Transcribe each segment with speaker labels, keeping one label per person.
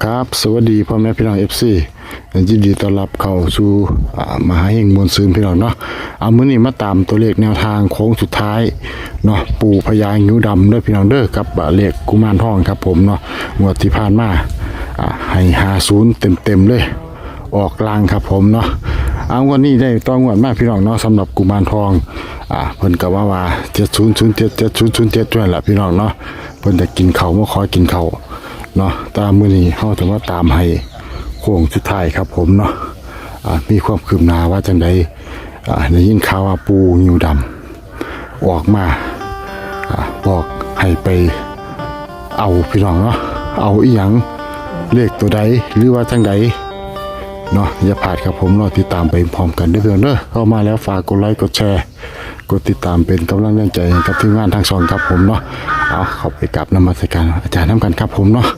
Speaker 1: ครับสวัสดีพ่อแม่พี่น้อง FC ยินดีต้อนรับเข้าสู่มหาเฮงมวลซืนพี่น้องเนาะเอามื้อนี้มาตามตัวเลขแนวทางโค้งสุดท้ายเนาะปู่พญางิ้วดำเด้อพี่น้องเด้อกับเลขกุมารทองครับผมเนาะงวดที่ผ่านมาให้50เต็มๆเลยออกลางครับผมเนาะเอาวันนี้ได้ต้องงวดมากพี่น้องเนาะสำหรับกุมารทองเพิ่นก็ว่า7007 7007ด้วยล่ะพี่น้องเนาะเพิ่นจะกินข้าวมาขอกินข้าวเนาะตามมื้อนี้เฮาจะมาตามให้โค้งสุดท้ายครับผมเนาะมีความคืบหน้าว่าจังไดได้ยินข่าวว่าปูงิ้วดำออกมาบอกให้ไปเอาพี่น้องเนาะเอาอีหยังเลขตัวใดหรือว่าจังไดเนาะอย่าพลาดครับผมรอติดตามไปพร้อมกันเด้อเพื่อนเด้อเข้ามาแล้วฝากกดไลค์กดแชร์กดติดตามเป็นกำลังแรงใจให้กับทีมงานทั้งสองครับผมเนาะเอาเข้าไปกราบนมัสการอาจารย์นำกันครับผมเนาะ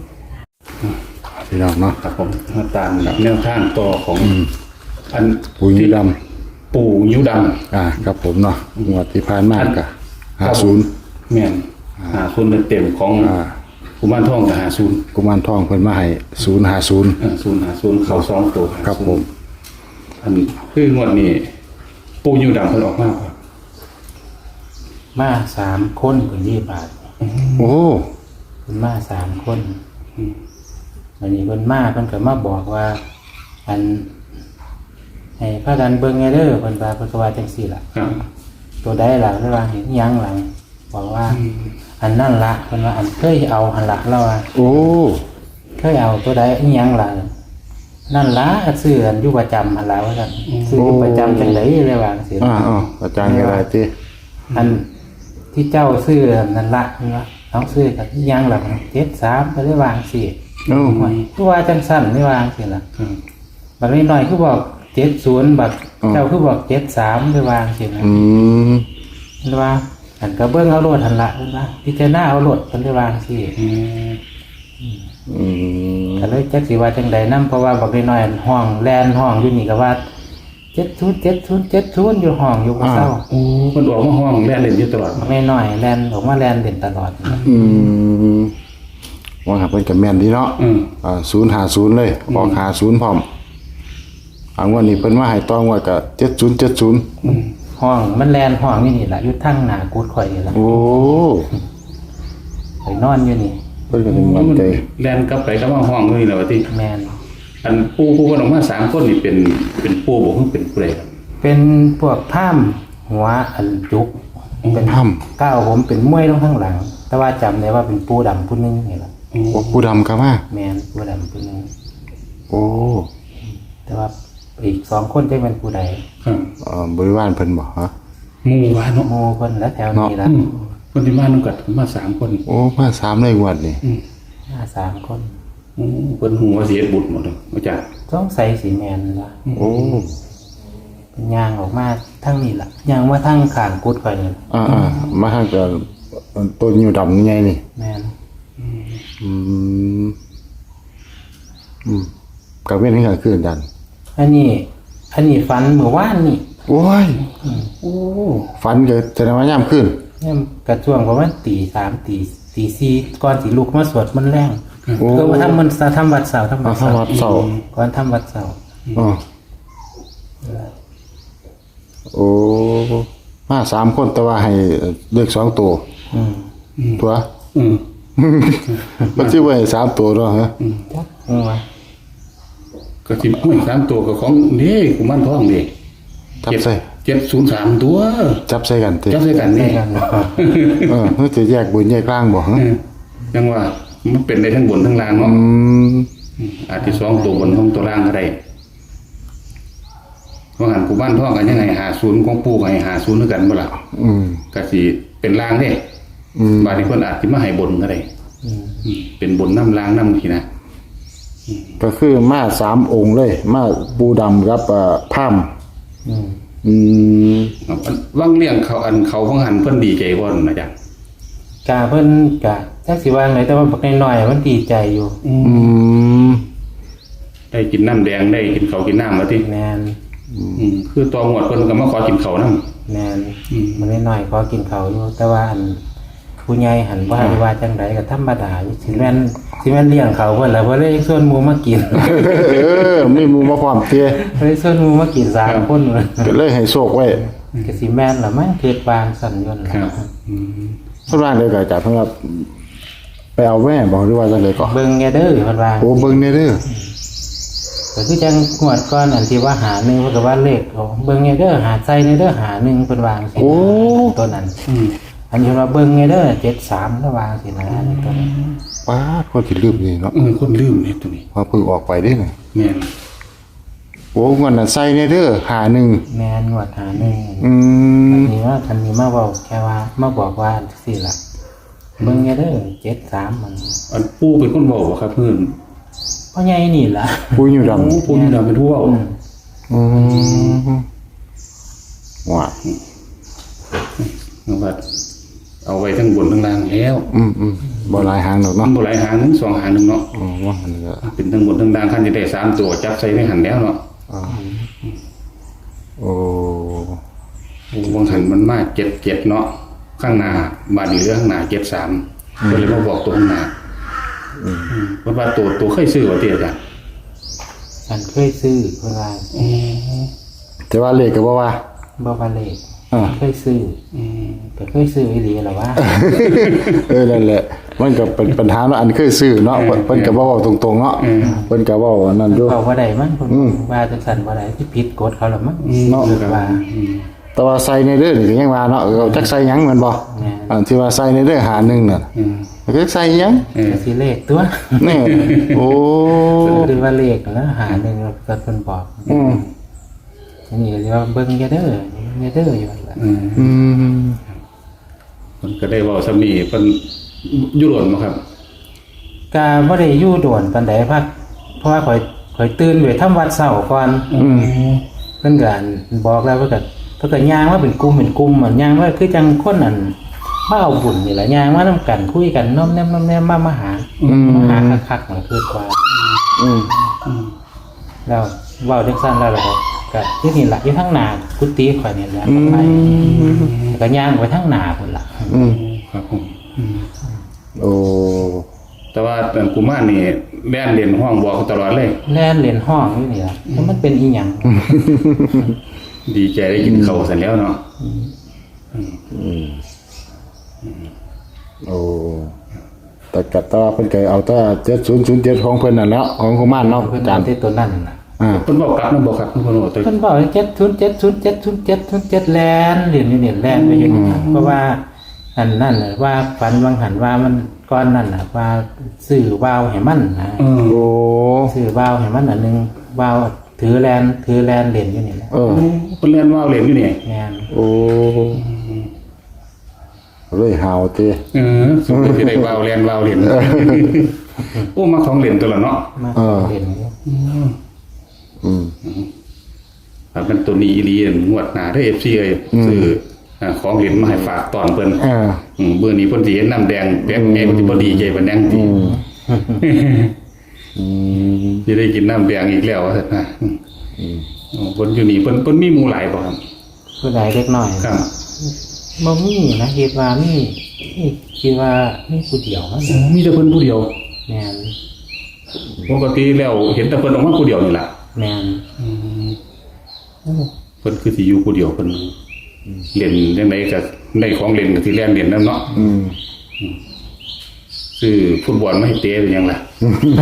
Speaker 1: พี่น้องเนาะ
Speaker 2: ครับผมมาตามแนวทางต่อของอัน
Speaker 1: ปูงิ้วดำ
Speaker 2: ปู่ยิ้วด
Speaker 1: ครับผมเนาะงวดที่ผ่านมาก็50
Speaker 2: แม่น50เต็มของกุมารทองกับ50
Speaker 1: กุมารทองเพิ่นมาให้050
Speaker 2: 050เข้า2ตัว
Speaker 1: ครับผม
Speaker 2: อันคืองวดนี้ปู่ยิ้วดำเพิ่นออกมาครับ
Speaker 3: มา3 คนคน20 บาท
Speaker 1: โอ้
Speaker 3: คนมา3 คนวันนี้คนมาเพิ่นก็มาบอกว่าอันให้พากันเบิ่งไงเด้อเพิ่นว่าเพิ่นก็ว่าจังซี่ล่ะ
Speaker 2: ครับ
Speaker 3: ตัวใดล่ะเพิ่นว่าเห็นหยังหลังบอกว่าอันนั่นล่ะเพิ่นว่าอันเคยเอาหั่นล่ะแล้วว่า
Speaker 1: โอ้
Speaker 3: เคยเอาตัวใดอีหยังล่ะนั่นล่ะซื้ออันอยู่ประจำหั่นล่ะว่าซั่นซื้ออยู่ประจำจังได๋เลยว่าจังซี่
Speaker 1: อาจารย์ก็ได้ติ
Speaker 3: อันที่เจ้าซื้อนั่นละนี่วะต้องซื้อกับที่ยังหลัง73ก็ได้วางสิคือว่าจังสั้นได้วางสิล่ะบัดนี้หน่อยคือบอก70บัดเจ้าคือบอก73ได้วางสินะได้ว่าอันก็เบิ่งเอาโลดหั่นละนะพิจารณาเอาโลดเพิ่นได้วางสิก็เลยจักสิว่าจังใดนำเพราะว่าบักน้อยๆห้องแลนห้องอยู่นี่ก็ว่า70อยู่ห้องอยู่บ่เศร้า
Speaker 2: โอ้เพิ่นออกมาห้องแล่นเล่นอยู่ตลอด
Speaker 3: ไม่น้อยแลนออกมาแลนเด่นตลอด
Speaker 1: ว่าหาเพิ่นก็แม่นดีเนาะ050เลยออก50พร้อมวันนี้เพิ่นมาให้ตองว่าก็7070
Speaker 3: ห้องมันแลนห้องอยู่นี่แหละอยู่ทั้งหน้ากูดข่อยนี่ล่ะ
Speaker 1: โอ้
Speaker 3: ข่อยนอนอยู่นี่
Speaker 1: เพิ่นก็ถึงมั่นใจ
Speaker 2: แล่นกลับไปกลับมาห้องนี่แหละว่าติ
Speaker 3: แม่น
Speaker 2: อันปู่เพิ่นออกมา3คนนี่เป็นปู่บ่คือเป็นผู้ใดครับ
Speaker 3: เป็นพวกถ้ำหัวอันจุกเป็น
Speaker 1: ถ้ำ
Speaker 3: ก้าวผมเป็นมวยลงข้างหลัง แต่ว่าจำได้ว่าเป็นปูดำผู้หนึงนี่ล่ะ
Speaker 1: โอ้ปูดำครับมา
Speaker 3: แม่นปูดำผู้หนึง
Speaker 1: โอ้
Speaker 3: แต่ว่าอีก2 คนจะเป็นผู้ใด
Speaker 2: ครับ
Speaker 1: บริวารเพิ่นบ่ฮะ
Speaker 2: หมู่ว่าเนาะ
Speaker 3: โมเพิ่นและแถวนี้ล่ะ
Speaker 2: คนที่มานำกันมา3คน
Speaker 1: โอ้มา3เลยงวดนี่
Speaker 3: มา3 คน
Speaker 2: เพิ่นฮู้ว่าสิเฮ็ดบุญหมดเลยอาจารย์
Speaker 3: ต้องใส่สีแม่นล่ะ
Speaker 1: โอ้
Speaker 3: เป็นย่างออกมาทั้งนี้ล่ะย่างมาทั้งข้างกูดข่อยนี่ล่ะ
Speaker 1: มาทางก็ต้นอยู่ดำใหญ่นี่
Speaker 3: แม่น
Speaker 1: กับเว้นให้กันคืนกัน
Speaker 3: อันนี้ฝันเมื่อวานนี่
Speaker 1: โอ้ยฝันเกิดแสดงว่ายามขึ้น
Speaker 3: เนี่ยกระช่วงประมาณตี 3ตี 4ก่อนสิลุกมาสวดมนต์แรง
Speaker 1: โอ้
Speaker 3: ก็มาทำมันทำวัดเสาร์ทำวัด
Speaker 1: ทำวัดเสาร์
Speaker 3: ก่อนทำวัดเสาร์
Speaker 1: อ๋อโอ้มา3คนแต่ว่าให้เลข2ตัวตัว มันสิไว้3ตัวเนาะฮะ
Speaker 3: ว่า
Speaker 2: ก็สิห้อย3ตัวก็ของนี่กุมารทองนี่
Speaker 1: จับใส่
Speaker 2: 703ตัว
Speaker 1: จับใส่กันติ
Speaker 2: จับใส่กันนี่
Speaker 3: กัน
Speaker 1: เฮ้ยจะแยกบนแยกล่างบ่ฮะ
Speaker 2: ยังว่ามันเป็นได้ทั้งบนทั้งล่างเนาะอาจจะ2ตัวบน2ตัวล่างก็ได้ว่าหันกุมารทองกันยังไง50ของปู่ให้50คือกันบ่ล่ะก็สิเป็นล่างเด้บาดนี้เพิ่นอาจสิมาให้บนก็ได้เป็นบนน้ำล่างน้ำทีนะ
Speaker 1: ก็คือมา3องค์เลยมาปูดำกับพาม
Speaker 2: ว่างเลี้ยงเขาอันเขาของหันเพิ่นดีใจบ่นอาจารย์
Speaker 3: กาเพิ่นกะจักสิว่าไงแต่ว่าบักน้อยๆมันดีใจอยู่
Speaker 2: ได้กินน้ำแดงได้กินเขาวกินน้ำมาติ
Speaker 3: แม่น
Speaker 2: คือตัวหมวดเพิ่นก็มาขอกินเขาวนำ
Speaker 3: แม่นมันน้อยๆพอกินข้าวอยู่แต่ว่าอันผู้ใหญ่หันว่าจังไดก็ธรรมดาอยู่สิแม่นเลี้ยงเขาเพิ่นล่ะเพิ่นเลยส่วนหมู่มากิน
Speaker 1: มีหมู่มาพร้อมเตี้ย
Speaker 3: เลยส่วนหมู่มากิน3คนเลย
Speaker 1: ก็เลยให้โชคไว้
Speaker 3: ก็สิแม่นล่ะมั้งเกิดวางสั่นยนต์
Speaker 2: ครับ
Speaker 1: เพิ่นว่าเลยก็อาจารย์เพิ่นว่าไปเอาแม่บอกหรือว่าจังได๋ก็
Speaker 3: เบิ่งแน่เด้อเพิ่นว่า
Speaker 1: โอ้เบิ่งแน่เด้อ
Speaker 3: ก็คือจังงวดก่อนอันที่ว่าหา1เพิ่นก็ว่าเลขของเบิ่งแน่เด้อหาใส่แน่เด้อหา1เพิ่นวาจังซี่ตัวนั้นอันนี้ว่าเบิ่งแน่เด้อ73แล้ววาจังซี่นะอันนี้ตัวนั้น
Speaker 1: ป้าดคนสิลืมนี่เนาะ
Speaker 2: คนลืมเนี่ยตัวนี้
Speaker 1: พอเพิ่งออกไปเด้น่ะ
Speaker 2: แม่น
Speaker 1: โอ้เงินน่ะใส่แน่เด้อหาหนึ่ง
Speaker 3: แม่นงวดหา1
Speaker 1: อืม
Speaker 3: คันนี้มาเว้าแค่ว่ามาบอกว่าจังซี่ล่ะเบิ่งแน่เด้อ73มัน
Speaker 2: อันปู่เป็นคนบอกว่าครับเพื่อน
Speaker 3: พ่อใหญ่นี่ล่ะ
Speaker 1: ปุ้ยอยู่ดำ
Speaker 2: ปู่นี่เราเป็นผู้เว่า
Speaker 1: อืมว่า
Speaker 2: ว่าเอาไว้ทั้งบนทั้งล่างแล้ว
Speaker 1: บ่หลายหางดอก
Speaker 2: มั
Speaker 1: เนาะ
Speaker 2: นบ่หลายหางหนึง2หางหนึงเนาะ
Speaker 1: อ๋อว่าอันนี้ก็
Speaker 2: เป็นทั้งบนทั้งล่างคันจะได้3ตัวจับใส่ในหันแล้วเนาะ
Speaker 1: โอ้
Speaker 2: วงหันมันมา77เนาะข้างหน้าบาดนี้เหลือข้างหน้า73ก็เลยมาบอกตัวข้างหน้าเพราะว่าตัวเคยซื้อว่าเตี้ยจ้ะ
Speaker 3: ฉันเคยซื้อเพิ่นว่า
Speaker 1: แต่ว่าเลขก็บ่ว่า
Speaker 3: บ่ว่าเลข
Speaker 1: อ่า
Speaker 3: เคยซื้อก็เคยซื้ออีหลีล่ะว่า
Speaker 1: นั่นแหละมันก็เป็นปัญหาเนาะอันเคยซื้อเนาะเพิ่นก็บ่เว้าตรงๆเนาะเพิ่นก็เว้าอันนั้นอยู่
Speaker 3: บอกว่าได้มั้งเพิ่นว่าจังซั่นบ่ได้ที่ผิดกฎเขาล่ะมั้ง
Speaker 1: เนาะ
Speaker 3: ว่า
Speaker 1: แต่ว่าใส่ในเด้อนี่ก็ยังว่าเนาะจักใส่หยังแม่นบ่อันที่ว่าใส่ในเด้อหาหนึ่งน่ะก็ใส่หยัง
Speaker 3: ก็สิเลขตัว
Speaker 1: นี่โอ้
Speaker 3: หรือว่าเลขแล้วหาหนึงก็เพิ่นบอกอันนี้ก็สิว่าเบิ่งอย่าเด้ออยู่นั่นล่ะ
Speaker 2: มันก็ได้เว้าซ้ำนี้เพิ่นยุโรปบ่ครับ
Speaker 3: ก็บ่ได้อยู่โดนปานใดพักเพราะว่าข่อยตื่นไปทำวัดเช้าก่อนเพิ่นก็บอกแล้วเพิ่นก็ย่างว่าเป็นกลุ่มมันย่างว่าคือจังคนนั้นมาเอาบุญนี่แหละย่างมานำกันคุยกันน้อมแนมมาหาคักๆมันคือว่าแล้วเว้าจังซั่นแล้วล่ะก็ที่นี่ล่ะอยู่ทางหน้ากุฏิข่อยนี่แหละไปก็ย่างไปทางหน้าพุ่นล่ะ
Speaker 2: ครับผม
Speaker 1: โอ้
Speaker 2: แต่ว่าแต่กุมารนี่แล่นเรียนห้องบอกตลอดเลย
Speaker 3: แล่นเล่นห้องอยู่นี่ล่ะแล้วมันเป็นอีหยัง
Speaker 2: ดีใจได้กินข้าวเสร็จแล้วเนาะ
Speaker 1: โอ้แต่ก็ตว่าเพิ่นก็เอาแต่7007ของเพิ่นนั่นแหล้วของกุมารเนาะ
Speaker 3: เพิ่น
Speaker 1: อาจา
Speaker 3: เอา
Speaker 1: รย์
Speaker 3: ที่ตัวนั้นน่ะ
Speaker 2: เพิ่นบอกกลับนำบ่ครับเพิ่นบอกตัว
Speaker 3: เพิ่นบอก7070707แลนเหรียญนี่แลนไปอย่างนี้เพราะว่าอันนั่นน่ะว่าฝันวังหันว่ามันก้อนนั่นน่ะว่าซื้อวาวให้มันนะ
Speaker 1: โอ้
Speaker 3: ซื้อวาวให้มันอันนึงวาวถือแลนเหรียญอยู่นี่แหละ
Speaker 1: เออ
Speaker 2: เพิ่นเรียนว่าวเรียนอยู่นี่
Speaker 3: แม่น
Speaker 1: โอ้เลยหาวติ
Speaker 2: สมมุติสิได้ว่าวเรียนโอ้มาของเรียนตัวละเนาะ
Speaker 3: มาเหรียญอยู่
Speaker 2: ครับมันตัวนี้อีหลีงวดหน้าเด้อ FC เอ้ยซื้อของเรียนมาให้ฝากตอนเพิ่นเบื่อนี้เพิ่นสิเห็นน้ำแดงแดงแม่มันสิบ่ดีใจปานนั้นติสิได้กินน้ำแดงอีกแล้วว่าซั่นนะเพิ่นอยู่นี่เพิ่นมีหมู่หลายบ่ครับ
Speaker 3: ผู้ใดเล็กน้อย
Speaker 2: ครับ
Speaker 3: บ่มีนะคิดว่ามีคิดว่ามีผู้เดียวนะ
Speaker 2: มีแต่เพิ่นผู้เดียว
Speaker 3: แม่น
Speaker 2: ปกติแล้วเห็นแต่เพิ่นออกมาผู้เดียวนี่ล่ะ
Speaker 3: แม่น
Speaker 2: เพิ่นคือสิอยู่ผู้เดียวเพิ่นเล่นจังไดก็ได้ของเล่นก็สิเล่นเล่นนำเนาะซื้อฟุตบอลมาให้เตะเป็นหยังล่ะ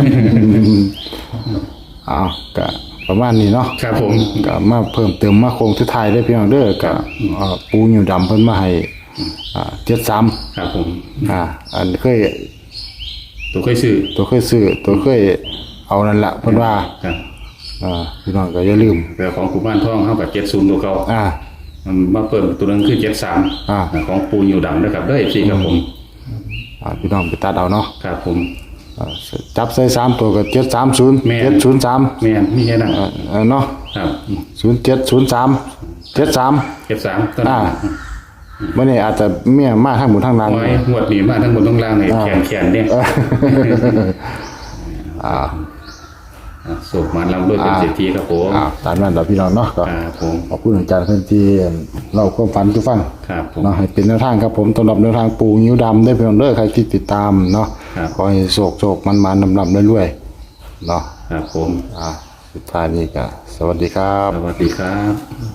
Speaker 1: อ้าวก็ประมาณนี้เนาะ
Speaker 2: ครับผม
Speaker 1: ก็มาเพิ่มเติมมาโครงสุดท้ายได้พี่น้องเด้อก็ปูอยู่ดำเพิ่นมาให้73
Speaker 2: ครับผม
Speaker 1: อันเคย
Speaker 2: ตัวเคยซื้อ
Speaker 1: ตัวเคยเอานั่นละเพิ่นว่า
Speaker 2: ครับ
Speaker 1: พี่น้องก็อย่าลืม
Speaker 2: แต่ของกุมารทองเฮากับ70ตัวเก่ามาเพิ่มตัวนึงคือ73ของปูอยู่ดำนะครับเด้อ FC ครับผม
Speaker 1: พี่น้องไปตัดเอาเนาะ
Speaker 2: ครับผม
Speaker 1: จับใส่3ตัวก็730
Speaker 2: แม่น
Speaker 1: 703
Speaker 2: แม่นมีแค่นั้น
Speaker 1: เนาะ
Speaker 2: ครับ
Speaker 1: 0703 73
Speaker 2: 73ตัวนั้น
Speaker 1: มื้อนี้อาจจะเมียมาทั้งหมดทั้งนั้น
Speaker 2: ไว้งวดนี้มาทั้งบนทั้งล่างนี่แขนๆเด้โศกมันลำด้วยเป็นเศรษฐีครับผม
Speaker 1: ตามนั้นเราพี่น้องเนาะก็
Speaker 2: ครับผม
Speaker 1: ขอบคุณอาจารย์เพื่อนที่เราก็ฝันทุกฟัง
Speaker 2: ครับผม
Speaker 1: เนาะให้เป็นแนวทางครับผมสำหรับแนวทางปูนิ้วดำได้เพียงเด้อใครที่ติดตามเนาะ
Speaker 2: ครับ
Speaker 1: ขอให้โศกมันดำเรื่อยๆเนาะ
Speaker 2: ครับผม
Speaker 1: สุดท้ายนี้ก็สวัสดีครับ
Speaker 2: สวัสดีครับ